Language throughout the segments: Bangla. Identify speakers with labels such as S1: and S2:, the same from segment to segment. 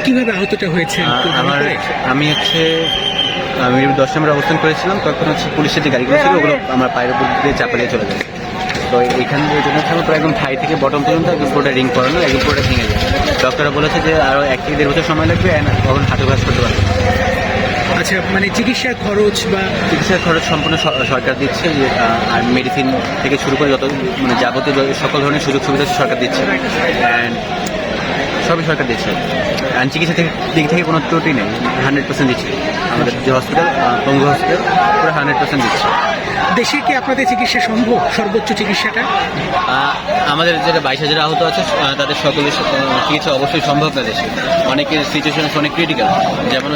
S1: কিভাবে আহতটা হয়েছে?
S2: আমি 10 নম্বরে অবস্থান করেছিলাম, তখন পুলিশের যে গাড়িগুলো ছিল ওগুলো আমার পায়ের উপর দিয়ে চাপা দিয়ে চলে যায়। তো এখান জন্য পুরো একদম থাই থেকে বটম পর্যন্ত একদম পুরোটা রিং করানো, একদম পুরোটা ভেঙে যায়। ডক্টররা বলেছে যে আরও 1 থেকে 1.5 বছর সময় লাগবে, তখন হাঁটু ঘাস করতে পারবে।
S1: আচ্ছা, মানে চিকিৎসার খরচ
S2: সম্পূর্ণ সরকার দিচ্ছে, আর মেডিসিন থেকে শুরু করে যত যাবতীয় সকল ধরনের সুযোগ সুবিধা সরকার দিচ্ছে, অ্যান্ড সবই সরকার দিচ্ছে। অ্যান্ড চিকিৎসা দিক থেকে কোনো ত্রুটি নেই, 100% দিচ্ছে। আমাদের যে হসপিটাল, পঙ্গু হসপিটাল, পুরো 100% দিচ্ছে।
S1: দেশে কি আপনাদের চিকিৎসা সম্ভব, সর্বোচ্চ চিকিৎসাটা?
S2: আমাদের যেটা 22,000 আহত আছে তাদের সকলের চিকিৎসা অবশ্যই সম্ভব না দেশে। অনেকের সিচুয়েশন অনেক ক্রিটিক্যাল, যেমন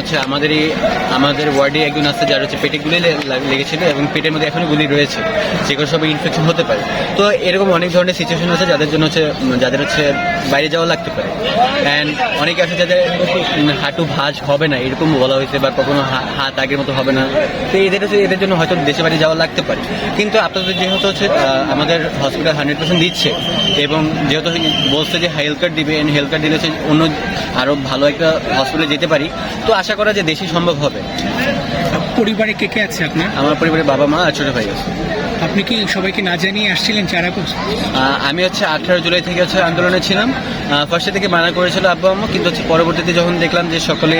S2: আমাদের ওয়ার্ডে একজন আছে যার পেটে গুলি লেগেছিল এবং পেটের মধ্যে এখনো গুলি রয়েছে, সেগুলো সবই ইনফেকশন হতে পারে। তো এরকম অনেক ধরনের সিচুয়েশন আছে যাদের বাইরে যাওয়া লাগতে পারে। অ্যান্ড অনেকে আছে যাদের হাঁটু ভাঁজ হবে না এরকম বলা হয়েছে, বা কখনো হাত আগের মতো হবে না। তো এদের জন্য হয়তো দেশে বাড়ি যাওয়া লাগতে পারে। কিন্তু আপনাদের যেহেতু আমাদের হসপিটাল 100% দিচ্ছে, এবং যেহেতু বলছে যে হেলথ কার্ড দিবে, হেলথ কার্ড দিলে অন্য আরও ভালো একটা হসপিটালে যেতে পারি, তো আশা করা যে দেশে সম্ভব হবে।
S1: পরিবারে কে কে আছে আপনার?
S2: আমার পরিবারে বাবা মা আর ছোটো ভাই আছে।
S1: আপনি কি সবাইকে না জানিয়ে আসছিলেন 4 আগস্ট?
S2: আমি 18 জুলাই থেকে আন্দোলনে ছিলাম। ফার্স্টে থেকে মানা করেছিল আব্বু আম্মু, কিন্তু পরবর্তীতে যখন দেখলাম যে সকলে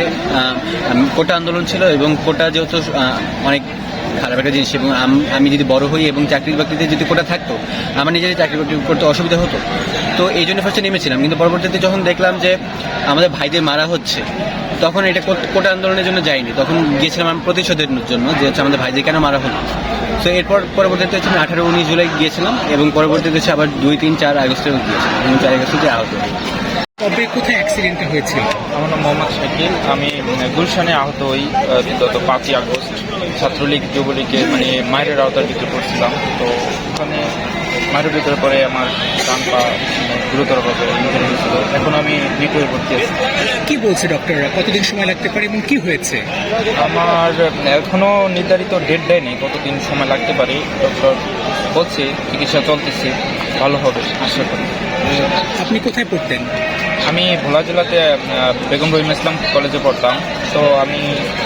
S2: কোটা আন্দোলন ছিল, এবং কোটা যেহেতু অনেক খারাপ একটা জিনিস, এবং আমি যদি বড় হই এবং চাকরি বাকরিতে যদি কোটা থাকতো, আমার নিজেরই চাকরি বাকরি করতে অসুবিধা হতো। তো এই জন্য ফার্স্টে নেমেছিলাম, কিন্তু পরবর্তীতে যখন দেখলাম যে আমাদের ভাইদের মারা হচ্ছে, তখন এটা কোটা আন্দোলনের জন্য যাইনি। তখন গিয়েছিলাম আমি প্রতিশোধের জন্য, যে আমাদের ভাইদের কেন মারা হলো। তো এরপর পরবর্তীতে আমি 18-19 জুলাই গিয়েছিলাম, এবং পরবর্তীতে আবার 2, 3, 4 আগস্টেও গিয়েছিলাম, এবং 4 আগস্টে আহত।
S1: কবে কোথায় অ্যাক্সিডেন্টটা হয়েছিল?
S3: আমার নাম মোহাম্মদ শাকিল। আমি গুলশানে আহত হই গত 5ই আগস্ট। ছাত্রলীগ যুবলীগের মায়ের আওতার ভিতরে পড়ছিলাম। তো ওখানে মায়ের ভিতরে পরে আমার ডান পা গুরুতরভাবে ইনজুরি হয়েছিল। এখন আমি নিটোয়ে ভর্তি আছি।
S1: কি বলছে ডক্টররা, কতদিন সময় লাগতে পারে এবং কি হয়েছে?
S3: আমার এখনো নির্ধারিত ডেট দেয়নি কতদিন সময় লাগতে পারে। ডক্টর বলছে চিকিৎসা চলতেছে, ভালো হবে আশা করি।
S1: আপনি কোথায় পড়তেন?
S3: আমি ভোলা জেলাতে বেগম রহিম ইসলাম কলেজে পড়তাম। তো আমি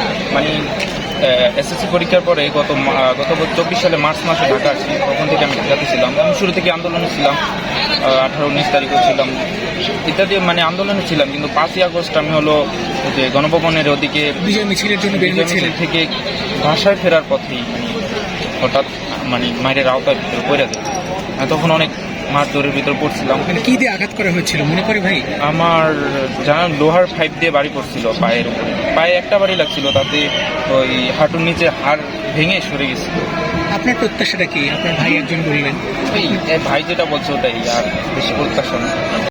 S3: এসএসসি পরীক্ষার পরে গত 24 সালে মার্চ মাসে ঢাকা আসি। তখন থেকে আমি ঢাকাতে ছিলাম। আমি শুরু থেকে আন্দোলনে ছিলাম, 18-19 তারিখও ছিলাম, ইত্যাদি আন্দোলনে ছিলাম। কিন্তু 5ই আগস্ট আমি যে গণভবনের ওদিকে
S1: বিজয় মিছিলের জন্য বেরিয়েছিলেন
S3: থেকে বাসায় ফেরার পথেই হঠাৎ মায়ের আওতার ভিতরে পড়ে যায়। তখন অনেক মারধরের ভিতরে পড়ছিলাম।
S1: কি দিয়ে আঘাত করা হয়েছিল মনে করে ভাই?
S3: আমার লোহার পাইপ দিয়ে বাড়ি পড়ছিল পায়ের উপরে। পায়ে একটা বাড়ি লাগছিল, তাতে ওই হাঁটুর নিচে হাড় ভেঙে সরে গেছিল।
S1: আপনার প্রত্যাশাটা কি? আপনার ভাই একজন বললেন,
S3: ভাই যেটা বলছে ওটাই, আর বেশি প্রত্যাশা না।